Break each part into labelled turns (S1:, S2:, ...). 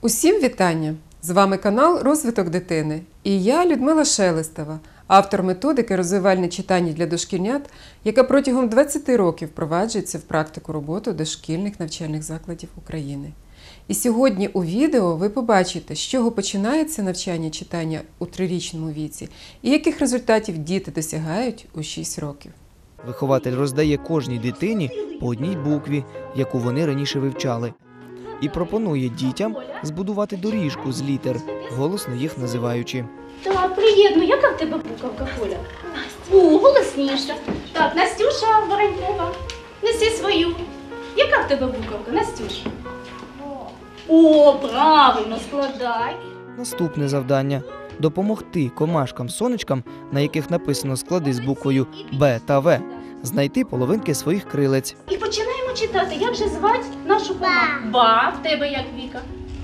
S1: Усім вітання! З вами канал «Розвиток дитини» і я, Людмила Шелестова, автор методики «Розвивальне читання для дошкільнят», яка протягом 20 років впроваджується в практику роботи дошкільних навчальних закладів України. І сьогодні у відео ви побачите, з чого починається навчання читання у 3-річному віці і яких результатів діти досягають у 6 років.
S2: Вихователь роздає кожній дитині по одній букві, яку вони раніше вивчали. І пропонує дітям збудувати доріжку з літер, голосно їх називаючи.
S3: Так, приємно. Яка в тебе буковка, Коля? О, голосніше. Так, Настюша Воронькова, неси свою. Яка в тебе буковка, Настюша? О, правильно, складай.
S2: Наступне завдання – допомогти комашкам-сонечкам, на яких написано склади з буквою Б та В, знайти половинки своїх крилець.
S3: І починаємо читати. Як же звати нашу команду? Ба. В тебе як, Віка?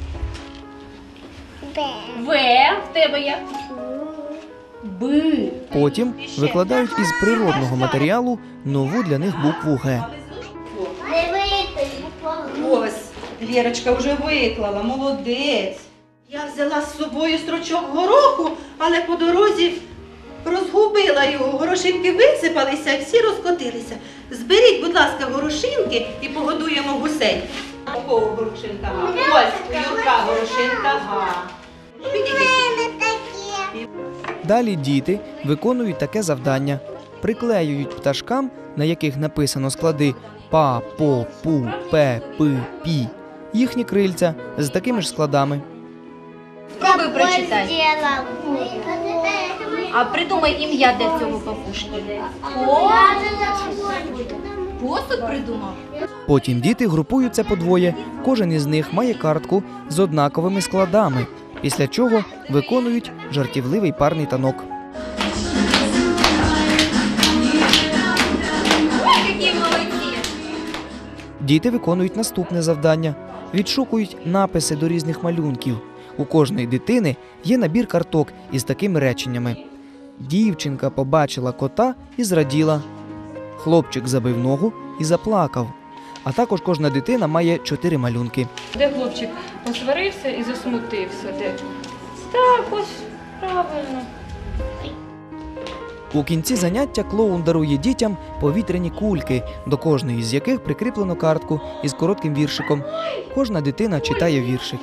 S4: Б.
S3: В. В тебе як? Б.
S2: Потім викладають із природного матеріалу нову для них букву Г.
S5: Ось, Лєрочка вже виклала, молодець. Я взяла з собою стручок гороху, але по дорозі розгубила його. Горошинки висипалися і всі розкотилися. Зберіть, будь ласка, горошинки і погодуємо гусей. У кого горошинка га? Ось, у Юрка горошинка га.
S2: Далі діти виконують таке завдання. Приклеюють пташкам, на яких написано склади па, по, пу, пе, пи, пі, їхні крильця з такими ж складами.
S4: Спробуй прочитай.
S3: А придумай ім'я для цього папушки. Посуд придумав?
S2: Потім діти групуються по двоє, кожен із них має картку з однаковими складами, після чого виконують жартівливий парний танок.
S3: Які молодці!
S2: Діти виконують наступне завдання – відшукують написи до різних малюнків. У кожної дитини є набір карток із такими реченнями. Дівчинка побачила кота і зраділа. Хлопчик забив ногу і заплакав. А також кожна дитина має 4 малюнки.
S6: Де хлопчик посварився і засмутився? Де? Так, ось, правильно.
S2: У кінці заняття клоун дарує дітям повітряні кульки, до кожної з яких прикріплено картку із коротким віршиком. Кожна дитина читає віршик.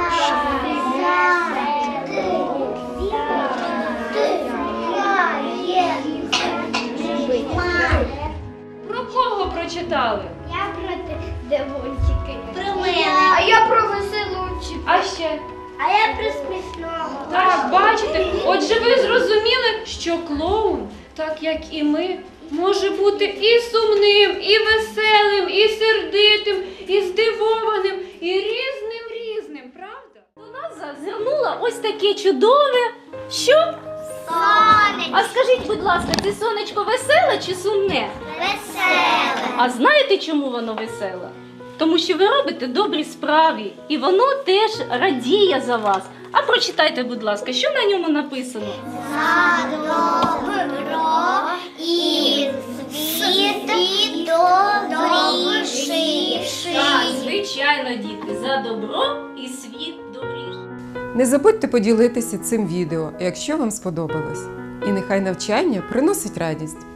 S6: Про кого прочитали?
S4: Я про дивончики.
S3: Про мене.
S4: А я про веселунчик.
S6: А ще?
S4: А я про смішного.
S6: Так, бачите? Отже, ви зрозуміли, що клоун, так як і ми, може бути і сумним, і веселим, і сердитим, і здивованим, і різним, правда?
S3: До нас зазирнуло ось таке чудове. Що?
S4: Сонечко.
S3: А скажіть, будь ласка, це сонечко веселе чи сумне?
S4: Веселе.
S3: А знаєте, чому воно веселе? Тому що ви робите добрі справи, і воно теж радіє за вас. А прочитайте, будь ласка, що на ньому написано?
S4: За добро і світ добріший.
S3: Так, звичайно, діти, за добро і світ добріший.
S1: Не забудьте поділитися цим відео, якщо вам сподобалось. І нехай навчання приносить радість.